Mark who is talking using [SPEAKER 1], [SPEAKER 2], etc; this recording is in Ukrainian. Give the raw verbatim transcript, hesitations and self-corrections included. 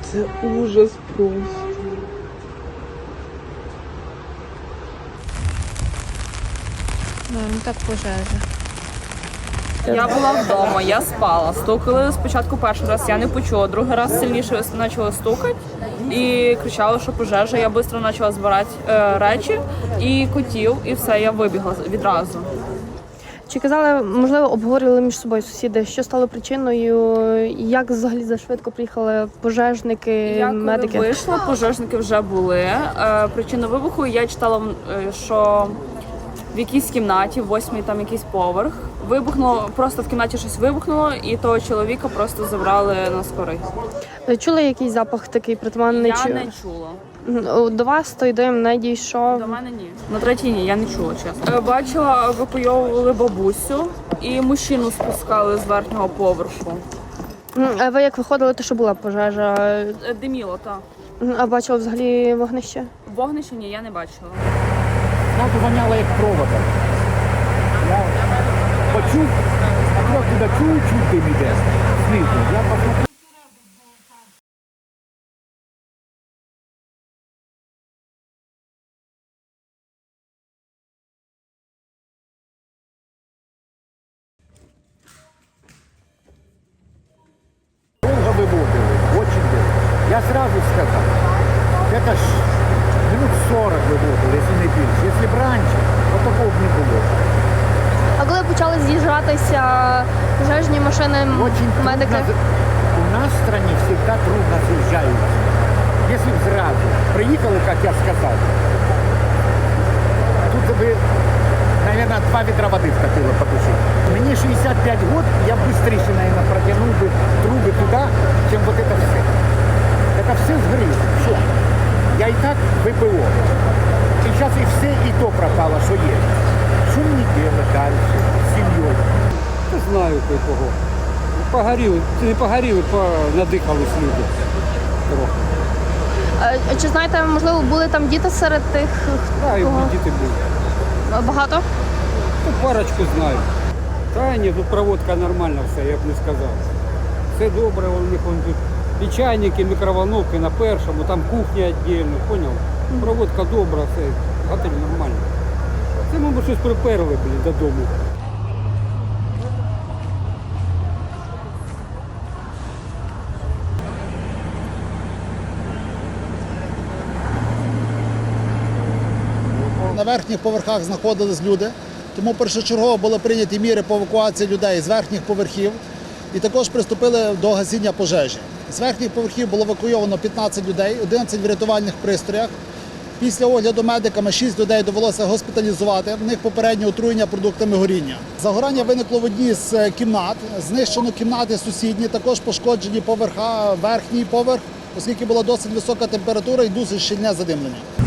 [SPEAKER 1] Це ужас просто.
[SPEAKER 2] Ну, так пожежа.
[SPEAKER 3] Я була вдома, я спала. Стукали спочатку перший раз, я не почула. Другий раз сильніше почали стукати і кричали, що пожежа. Я швидко почала збирати е, речі і котів, і все, я вибігла відразу.
[SPEAKER 4] Чи казали, можливо, обговорювали між собою сусіди, що стало причиною, як взагалі зашвидко приїхали пожежники,
[SPEAKER 3] Я коли
[SPEAKER 4] медики?
[SPEAKER 3] вийшла, пожежники вже були. Е, причину вибуху я читала, е, що в якійсь кімнаті, в восьмій там якийсь поверх, вибухнуло, просто в кімнаті щось вибухнуло, і того чоловіка просто забрали на скорий.
[SPEAKER 4] Чули якийсь запах такий притаманний?
[SPEAKER 3] Я
[SPEAKER 4] чи...
[SPEAKER 3] не чула.
[SPEAKER 4] До вас той дим не дійшов?
[SPEAKER 3] До мене ні. На третій ні, я не чула, чесно. Е, Бачила, евакуйовували бабусю і мужчину спускали з верхнього поверху.
[SPEAKER 4] М, А ви як виходили, то що була пожежа?
[SPEAKER 3] Е, Диміло, так.
[SPEAKER 4] М, А бачили взагалі вогнище?
[SPEAKER 3] Вогнище ні, я не бачила.
[SPEAKER 5] Зразу воняло як провода. Я почув, а трохи туди чуть-чуть дим іде. Знизу. Я посмотрел. Долго выводили, очень долго. Я сразу сказал, это ж минут сорок выводили, если не більше. Если б раніше, то такого б не було.
[SPEAKER 4] А коли почали з'їжджатися пожежні машини,
[SPEAKER 5] Очень
[SPEAKER 4] медики?
[SPEAKER 5] трудно. У нас в стране всегда трудно съезжаются. Если б сразу приехали, как я сказал, тут бы, наверное, два ведра воды вкатило потушить. Мне шестьдесят пять год, я быстрее, наверное, протянул бы трубы туда, чем вот это все. Это все сгорело. Все. Я и так ВПО. И сейчас и все, и то пропало, что есть. Что мне делать дальше с семьей?
[SPEAKER 6] Не знаю кого. Погоріли, не погоріли, понадихались люди трохи.
[SPEAKER 4] А Чи знаєте, можливо, були там діти серед тих,
[SPEAKER 6] Знаю,
[SPEAKER 4] кого?
[SPEAKER 6] діти були.
[SPEAKER 4] Багато?
[SPEAKER 6] Ну, парочку знаю. Та ні, тут проводка нормальна все, я б не сказав. Все добре, у них вон тут і чайники, мікроволновки на першому, там кухня віддільно, поняв? Проводка добра, все, готель нормально. Це, мабуть, щось приперли, блін, додому.
[SPEAKER 7] На верхніх поверхах знаходились люди, тому першочергово були прийняті міри по евакуації людей з верхніх поверхів і також приступили до гасіння пожежі. З верхніх поверхів було евакуйовано п'ятнадцять людей, одинадцять в рятувальних пристроях. Після огляду медиками шість людей довелося госпіталізувати, в них попереднє отруєння продуктами горіння. Загорання виникло в одній з кімнат, знищено кімнати сусідні, також пошкоджені поверха, верхній поверх, оскільки була досить висока температура і дуже щільне задимлення.